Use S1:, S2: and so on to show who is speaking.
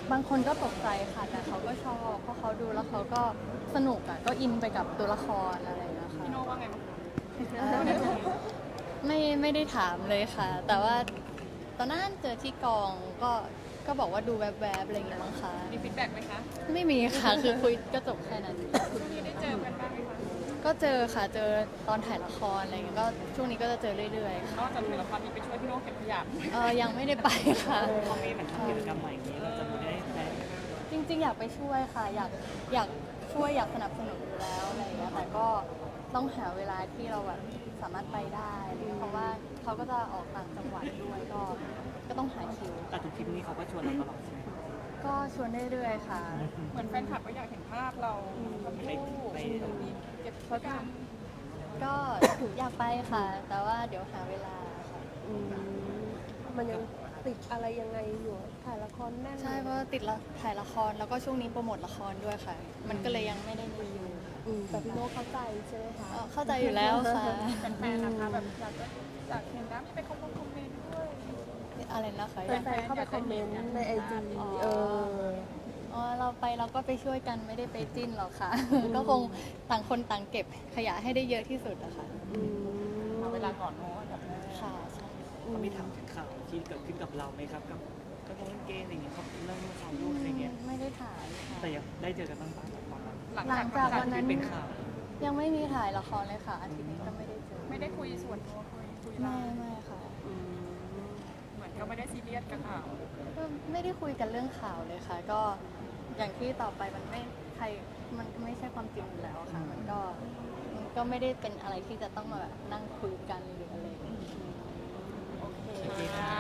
S1: บางคนก็ตกใจค่ะแต่เขาก็ชอบเพราะเขาดูแล้วเขาก็สนุกอ่ะก็อินไปกับตัวละครอะไรอย่างเงี้ยค่ะ
S2: พี่โน่ว่าไงบ้างคะ
S1: เอ่อไม่ได้ถามเลยค่ะ แต่ว่าตอนนั้นเจอที่กองก็บอกว่าดูแวบๆอะไรอย่างเงี้ยมั้งคะ
S2: มีฟีดแบ็กไหมคะ
S1: ไม่มีค่ะ คือคุยก็จบแค่นั้น
S2: พี่ได้เจอกันบ้างไหมคะ
S1: ก็เจอค่ะเจอตอนถ่ายละครอะไรอย่างเงี้ยก็ช่วงนี้ก็จะเจอเรื่อยๆ
S2: น
S1: ค่ะ
S2: อกจากถ่ายละครมีไปช่วยพี่โน่เก็บขยะ
S1: ยังไม่ได้ไปค่ะ
S3: พอมีเหมือนทำกิจกรรมใหม่อย่างนี้เราจะดูได้ไหม
S1: จริงๆอยากไปช่วยค่ะอยากช่วยอยากสนับสนุนอยู่แล้วอะไรอย่างเงี้ยแต่ก็ต้องหาเวลาที่เราแบบสามารถไปได้อะไรเงี้ยเพราะว่าเขาก็จะออกต่างจังหวัดด้วยก็ต้องหาคิว
S3: แต่ทุกทริปนี้เขาก็ชวนเราตลอดใช่ไหม
S1: ก็ชวนเรื่อยๆค่ะ
S2: เหมือนแฟนคลับก็อยากเห็นภาพเราทำคู่มีเก็บขยะ
S1: ก็อยากไปค่ะ แต่ว่าเดี๋ยวหาเวลาค่ะ
S4: มันยังติดอะไรยังไงอยู่ถ่ายละครแน่น
S1: ใช่เพราะว่าติดละถ่ายละครแล้วก็ช่วงนี้โปรโมทละครด้วยค่ะ มันก็เลยยังไม่ได้มีอยู่
S4: แต่พี่โน้เข้าใจใช่ไหมคะ
S1: เข้าใจอยู่แล้วค่ะ
S2: แฟนๆนะคะแบบอยากเห็นนะมีไปคอมเมนต์ด้วย
S1: อะไรนะคะ
S4: แฟนๆเข้าไปคอมเมนต์ในไอจี
S1: เราไปเราก็ไปช่วยกันไม่ได้ไปจิ้นหรอกค่ะ ก็คงต่างคนต่างเก็บขยะให้ได้เยอะที่สุดอะค่ะ
S2: เอาเวลาก่อนโน้ตแบบแรก
S1: ค่ะใช่
S3: เขามีถามถึงข่าวที่เกิดขึ้นกับเราไหมครับกับกระทงเกย์อะไรอย่างเงี้ยเขาเรื่องข่าวลูกอะไรเงี้ย
S1: ไม่ได้ถ่ายค่ะ
S3: แต่ยังได้เจอกันบ้างปะตอนนั้น
S1: หลังจากวันนั้น
S3: ที่เป็นข่าว
S1: ยังไม่มีถ่ายละครเลยค่ะอาทิตย์นี้ก็ไม่ได้เจอ
S2: ไม่ได้คุยส่วนตัวคุยไล
S1: ไม่
S2: น์
S1: ค่ะ
S2: เหมือนก็ไม่ได้ซีเรียสกับข่าว
S1: ก็ไม่ได้คุยกันเรื่องข่าวเลยค่ะ ก็อย่างที่ต่อไปมันไม่ใครมันไม่ใช่ความจริงอยู่แล้วค่ะ มันก็ไม่ได้เป็นอะไรที่จะต้องมาแบบนั่งคุยกันหรืออะไรอย่างเงี้ย
S2: โอเค